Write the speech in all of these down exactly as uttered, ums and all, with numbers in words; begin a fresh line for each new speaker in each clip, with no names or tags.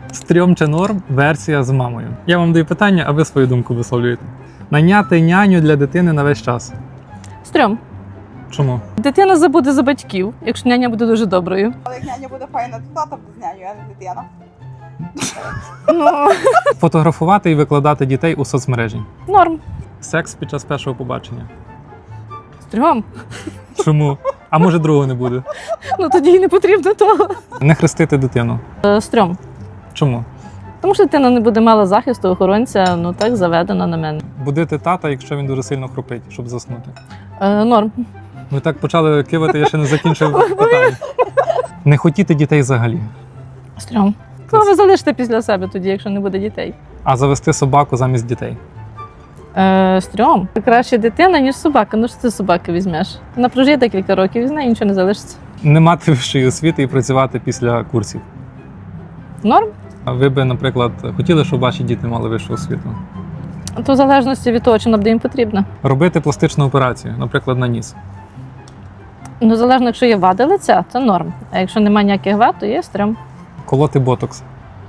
Стрьом чи норм версія з мамою. Я вам даю питання, а ви свою думку висловлюєте. Найняти няню для дитини на весь час.
Стрьом.
Чому?
Дитина забуде за батьків, якщо няня буде дуже доброю.
Але як няня буде файна, то тата буде з няню, а не дитина.
Ну,
Фотографувати і викладати дітей у соцмережі.
норм.
Секс під час першого побачення.
Стрьом.
Чому? А може другого не буде?
Ну тоді й не потрібно того.
Не хрестити дитину.
Е, Стрьом.
Чому?
Тому що дитина не буде мала захисту, охоронця, ну так заведено на мене.
Будити тата, якщо він дуже сильно хрупить, щоб заснути.
Е, Норм.
Ви так почали кивати, я ще не закінчив питання. Не хотіти дітей взагалі.
Стрьом. Ну, ви залишите після себе тоді, якщо не буде дітей.
А завести собаку замість дітей.
Е, Стрьом. Краще дитина, ніж собака. Ну що ти собаки візьмеш? Вона прожиє декілька років, і з нею нічого не залишиться.
Не мати вищої освіти і працювати після курсів.
Норм.
А ви би, наприклад, хотіли, щоб ваші діти мали вищу освіту?
То в залежності від того, чи вона буде їм потрібна.
Робити пластичну операцію, наприклад, на ніс.
Ну, залежно, якщо є вади лиця, то норм. А якщо немає ніяких вад, то є стрьом.
Колоти ботокс.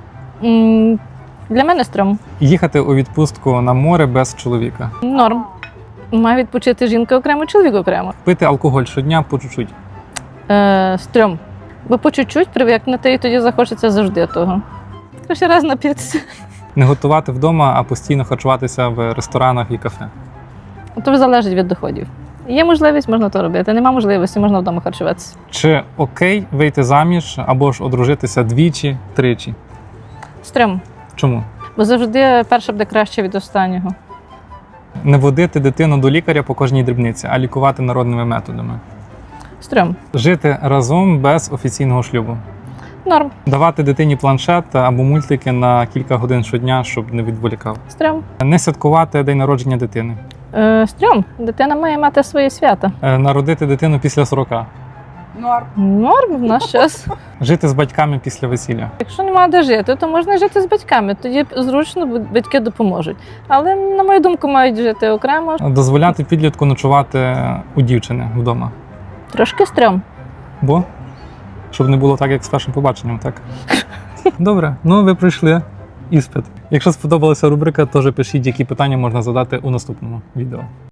М, Для мене стрьом.
Їхати у відпустку на море без чоловіка.
Норм. Має відпочити жінка окремо, чоловік окремо.
Пити алкоголь щодня по чуть-чуть.
Е, Стрьом. Бо по чуть-чуть привикнути, і тоді захочеться завжди того. Краще раз напитися.
Не готувати вдома, а постійно харчуватися в ресторанах і кафе.
То залежить від доходів. Є можливість, можна то робити. Нема можливості, можна вдома харчуватися.
Чи окей вийти заміж або ж одружитися двічі, тричі?
Стрьом.
Чому?
Бо завжди перше буде краще від останнього.
Не водити дитину до лікаря по кожній дрібниці, а лікувати народними методами.
Стрьом.
Жити разом без офіційного шлюбу.
Норм.
Давати дитині планшет або мультики на кілька годин щодня, щоб не відволікав.
Стрьом.
Не святкувати день народження дитини.
Е, Стрьом. Дитина має мати своє свято.
Е, Народити дитину після сорока.
Норм.
Норм в наш час.
Жити з батьками після весілля.
Якщо немає де жити, то можна жити з батьками. Тоді зручно, бо батьки допоможуть. Але, на мою думку, мають жити окремо.
Дозволяти підлітку ночувати у дівчини вдома.
Трошки стрьом.
Бо? Щоб не було так, як з першим побаченням, так? Добре, ну ви пройшли іспит. Якщо сподобалася рубрика, теж пишіть, які питання можна задати у наступному відео.